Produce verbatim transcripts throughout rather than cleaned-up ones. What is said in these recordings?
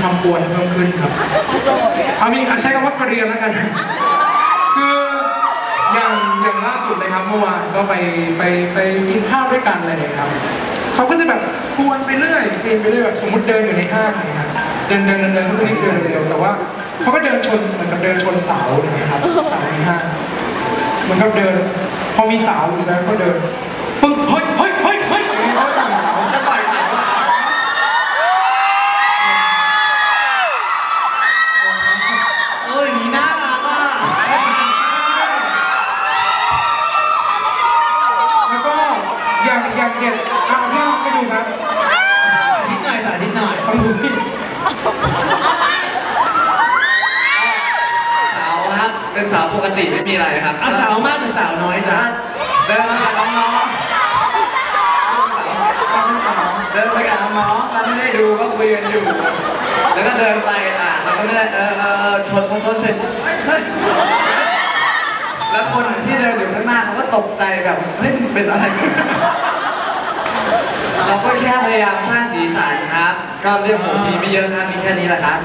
ความกวนเพิ่มขึ้นครับเอามีใช้คำว่าเกรียนแล้วกันคืออย่างอย่างล่าสุดเลยครับเมื่อวานก็ไปไปไปกินข้าวด้วยกันอะไรอย่างเงี้ยครับเขาก็จะแบบกวนไปเรื่อยเกรียนไปเรื่อยแบบสมมติเดินอยู่ในห้างอย่างเงี้ยครับเดินเดินเดินเดินเขาจะรีบเดินเร็วแต่ว่าเขาก็เดินชนเหมือนกับเดินชนเสาอย่างเงี้ยครับเสาในห้างเหมือนกับเดินพอมีเสาอยู่ใช่ไหมก็เดินปึ้งเฮ้ยเฮ้ยเฮ้ยเฮ้ยเขาต่อยเสาจะต่อยเสาเอ้ยนี่น่ารักอ่ะแล้วก็อยากอยากเห็นเอาที่ไปดูครับนิดหน่อยสานิดหน่อยต้องดูที่สาวครับเป็นสาวปกติไม่มีอะไรครับอ่ะสาวมากหรือสาวน้อยจ้ะเดินมากับน้องๆเดินไปกับน้องๆเราไม่ได้ดูก็คุยกันอยู่แล้วก็เดินไปอ่ะเราก็ไม่ได้เออเออชนพอชนเสร็จเฮ้ยแล้วคนที่เดินอยู่ข้างหน้าเขาก็ตกใจแบบเฮ้ยเป็นอะไรเราก็แค่พยายามสร้างสีสันครับก็เรื่องผมมีไม่เยอะครับมีแค่นี้แหละครับ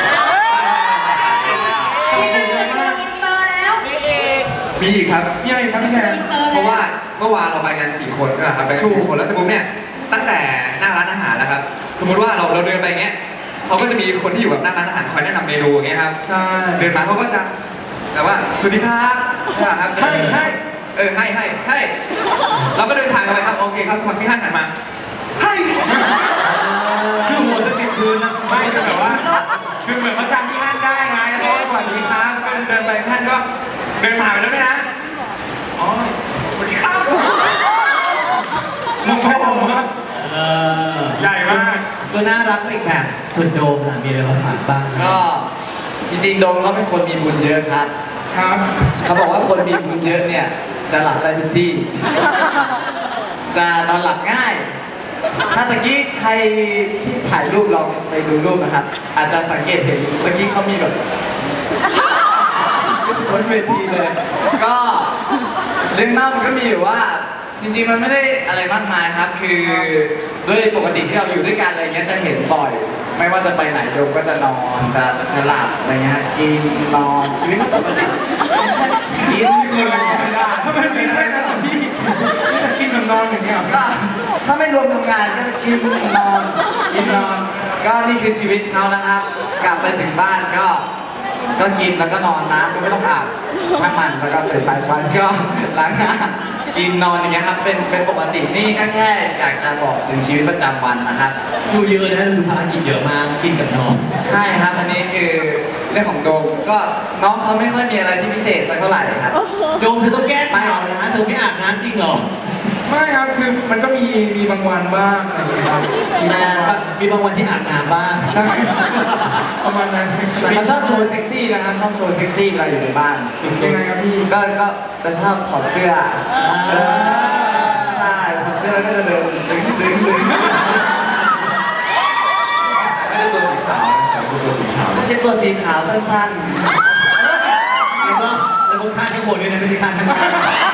มีอีกครับมีอะไรครับพี่แทนเพราะว่าเมื่อวานเราไปกันสี่คนก็ครับไปกันสี่คนแล้วสมมติเนี่ยตั้งแต่หน้าร้านอาหารแล้วครับสมมติว่าเราเราเดินไปเงี้ยเขาก็จะมีคนที่อยู่แบบหน้าร้านอาหารคอยแนะนำเมนูอย่างเงี้ยครับใช่เดินมาเขาก็จะแต่ว่าสวัสดีครับครับให้ให้เออให้ให้ให้เราก็เดินทางกันไปครับโอเคครับสมัครที่ห้างหันมาให้คือหัวจะติดพื้นนะไม่แต่ว่าคือเหมือนเขาจำที่ห้างได้ไงแล้วก็สวัสดีครับเดินไปท่านก็เดินผ่านไปแล้วไหมนะอ๋อสวัสดีครับมองไปมองมาเออใหญ่มากก็น่ารักอีกแบบส่วนโดมล่ะมีอะไรมาฝากบ้างก็จริงๆโดมเขาเป็นคนมีบุญเยอะครับครับเขาบอกว่าคนมีบุญเยอะเนี่ยจะหลับได้ทุกที่จะนอนหลับง่ายถ้าตะกี้ใครที่ถ่ายรูปลองไปดูรูปนะครับอาจจะสังเกตเห็นเมื่อกี้เขามีแบบบนเวทีเลยก็เรื่องเล่ามันก็มีอยู่ว่าจริงๆมันไม่ได้อะไรมากมายครับคือด้วยปกติที่เราอยู่ด้วยกันอะไรเงี้ยจะเห็นบ่อยไม่ว่าจะไปไหนโดมก็จะนอนจะจะหลับอะไรเงี้ยกินนอนชีวิตปกติกินกินไม่ได้ถ้าไม่มีแค่นั้นพี่พี่จะกินกับนอนอย่างเงี้ยก็ถ้าไม่รวมทำงานก็กินนอนกินนอนก็นี่คือชีวิตเขานะครับกลับไปถึงบ้านก็ก็กินแล้วก็นอนน้ำก็ไม่ต้องอาบทั้งมันแล้วก็ตื่นไปวันก็ล้างหน้ากินนอนอย่างเงี้ยครับเป็นเป็นปกตินี่ก็แค่อยากจะบอกถึงชีวิตประจำวันนะครับดูเยอะนะดูภารกิจเยอะมากกินกับนอนใช่ครับอันนี้คือเรื่องของโดมก็น้องเขาไม่ค่อยมีอะไรที่พิเศษสักเท่าไหร่ครับโดมเธอต้องแก้ข่าวนะเธอไม่อาบน้ำจริงเหรอไม่ครับคือมันก็มีมีบางวันบ้างอะไรอย่างเงี้ยครับแต่มีบางวันที่อาบน้ำบ้างใช่ประมาณนั้นแต่เขาชอบโชว์เซ็กซี่นะครับชอบโชว์เซ็กซี่เวลาอยู่ในบ้านยังไงครับพี่ก็ก็จะชอบถอดเสื้อใช่ถอดเสื้อก็จะเดินดึงดึงดึงไม่ใช่ตัวสีขาวตัวสีขาวไม่ใช่ตัวสีขาวสั้นๆแล้วก็แล้วก็ข้างข้างบนด้วยนะไม่ใช่ข้างข้างล่าง